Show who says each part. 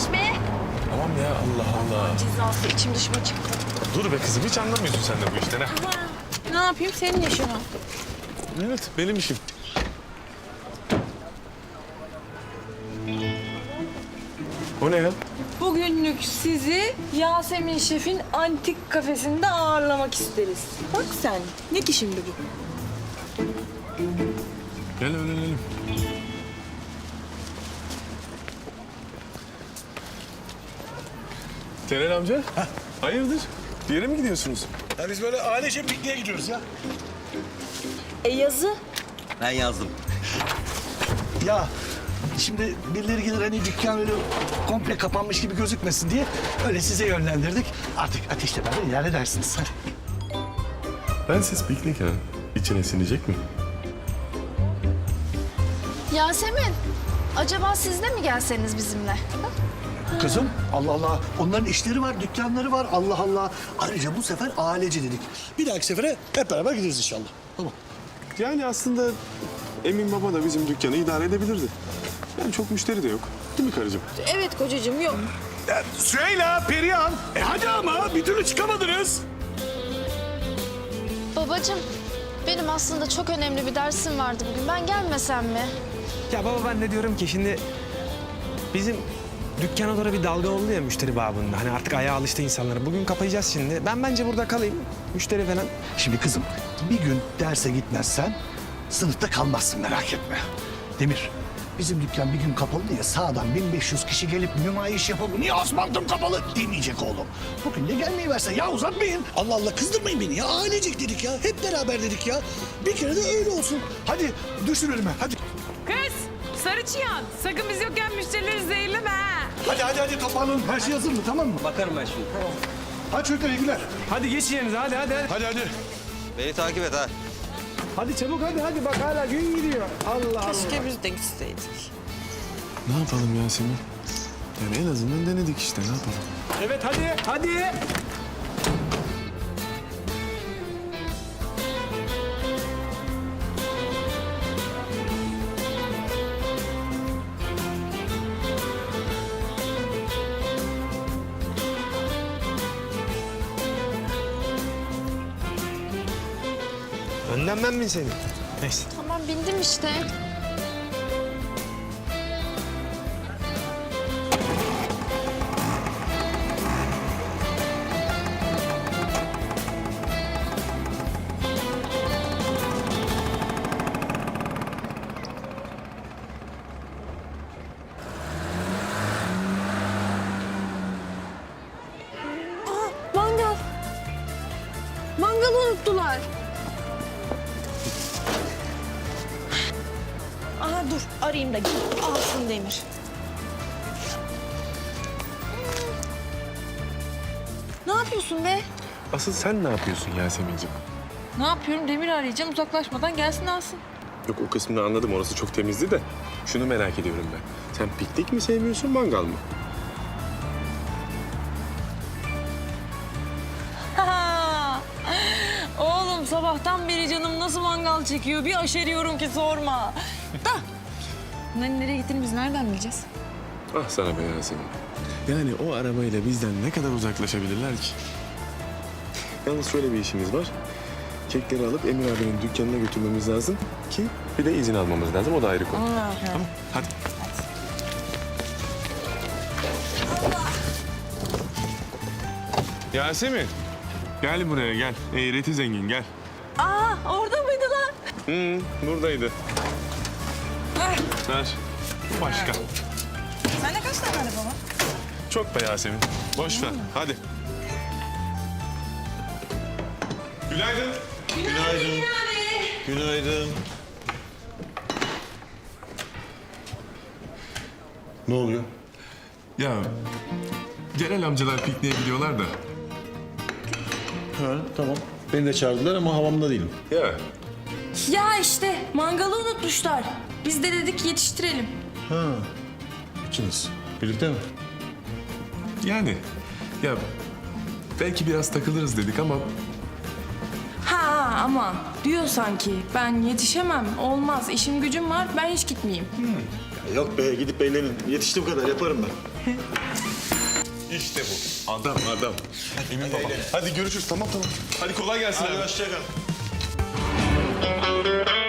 Speaker 1: yavaş be.
Speaker 2: Tamam ya Allah Allah.
Speaker 1: Cezası içim dışıma çıktı.
Speaker 2: Dur be kızım hiç anlamıyorsun sen de bu işten ha.
Speaker 1: Ne yapayım senin işin o.
Speaker 2: Evet benim işim. O ne ya?
Speaker 1: Bugünlük sizi Yasemin Şef'in antik kafesinde ağırlamak isteriz. Bak sen. Ne ki şimdi bu?
Speaker 2: Gel öğrenelim. Celal amca. Hayırdır? Bir yere mi gidiyorsunuz?
Speaker 3: Ya biz böyle ailece pikniğe gidiyoruz ya.
Speaker 1: Yazı.
Speaker 4: Ben yazdım.
Speaker 3: Ya şimdi birileri gelir hani dükkan öyle komple kapanmış gibi gözükmesin diye öyle size yönlendirdik. Artık ateşle beraber ilerledersiniz. Hadi.
Speaker 2: Ben siz piknik ha. İçine sinecek mi?
Speaker 5: Yasemin, acaba siz de mi gelseniz bizimle?
Speaker 3: Kızım Allah Allah onların işleri var, dükkanları var Allah Allah. Ayrıca bu sefer ailece dedik. Bir dahaki sefere hep beraber gideriz inşallah. Tamam.
Speaker 2: Yani aslında Emin Baba da bizim dükkanı idare edebilirdi. Yani çok müşteri de yok. Değil mi karıcığım?
Speaker 1: Evet kocacığım yok.
Speaker 3: Süheyla, Perihan. Hadi ama bir türlü çıkamadınız.
Speaker 5: Babacığım, benim aslında çok önemli bir dersim vardı bugün. Ben gelmesem mi?
Speaker 6: Ya baba ben de diyorum ki şimdi bizim dükkana doğru bir dalga oldu ya müşteri babında. Hani artık ayağa alıştı insanlara. Bugün kapayacağız şimdi. Ben bence burada kalayım. Müşteri falan.
Speaker 3: Şimdi kızım bir gün derse gitmezsen sınıfta kalmazsın merak etme. Demir bizim dükkan bir gün kapalı diye sağdan 1500 kişi gelip nümayiş yapıp niye asfaltım kapalı demeyecek oğlum. Bugün de gelmeyi versen ya uzatmayın. Allah Allah kızdırmayın beni ya ailecek dedik ya hep beraber dedik ya. Bir kere de öyle olsun. Hadi düşün önüme hadi.
Speaker 7: Kız, sarı çıyan. Sakın biz yokken müşterileri zehirleme ha.
Speaker 3: Hadi toparlanın her şey hazır mı tamam mı?
Speaker 4: Bakarım ben şimdi.
Speaker 3: Hadi çocuklar iyi günler.
Speaker 6: Hadi geç yerinize hadi.
Speaker 3: Hadi.
Speaker 4: Beni takip et ha.
Speaker 6: Hadi çabuk hadi bak hala gün gidiyor. Allah Allah.
Speaker 1: Keşke biz de gitseydik.
Speaker 2: Ne yapalım Yasemin? Yani en azından denedik işte ne yapalım?
Speaker 6: Evet hadi. Önden ben mi senin? Neyse.
Speaker 5: Tamam, bindim işte.
Speaker 1: Mangal. Mangalı unuttular. Aha dur arayayım da alsın Demir. Ne yapıyorsun be?
Speaker 2: Asıl sen ne yapıyorsun Yasemin'ciğim?
Speaker 1: Ne yapıyorum? Demir arayacağım uzaklaşmadan gelsin alsın.
Speaker 2: Yok o kısmını anladım orası çok temizdi de. Şunu merak ediyorum ben. Sen piknik mi sevmiyorsun mangal mı?
Speaker 1: Oğlum sabahtan beri canım nasıl mangal çekiyor bir aşeriyorum ki sorma. Da. Bunları nereye gittiğini biz nereden bileceğiz?
Speaker 2: Ah sana be Yasemin. Yani o arabayla bizden ne kadar uzaklaşabilirler ki? Yalnız şöyle bir işimiz var. Kekleri alıp Emir abinin dükkanına götürmemiz lazım ki bir de izin almamız lazım. O da ayrı konu. Tamam hadi. Yasemin. Gel buraya gel. Eğreti zengin gel.
Speaker 1: Aa orada mıydı lan?
Speaker 2: Buradaydı. Ver. Bu başka.
Speaker 1: Sende kaç tane araba var?
Speaker 2: Çok be Yasemin. Boş ver. Hadi. Günaydın.
Speaker 4: Günaydın.
Speaker 8: Ne oluyor?
Speaker 2: Ya Celal amcalar pikniğe gidiyorlar da.
Speaker 8: Ha, tamam. Beni de çağırdılar ama havamda değilim.
Speaker 2: Ya
Speaker 1: Ya işte mangalı unutmuşlar. Biz de dedik yetiştirelim.
Speaker 8: Ha. İkiniz. Birlikte mi?
Speaker 2: yani ya belki biraz takılırız dedik ama
Speaker 1: Ha ama diyor sanki ben yetişemem olmaz işim gücüm var ben hiç gitmeyeyim.
Speaker 8: Yok be gidip eğlenin. Yetiştiğim kadar yaparım ben.
Speaker 2: İşte bu. Adam. Emin baba. Hadi görüşürüz. Tamam. Hadi kolay gelsin abi.
Speaker 8: Hoşça kal.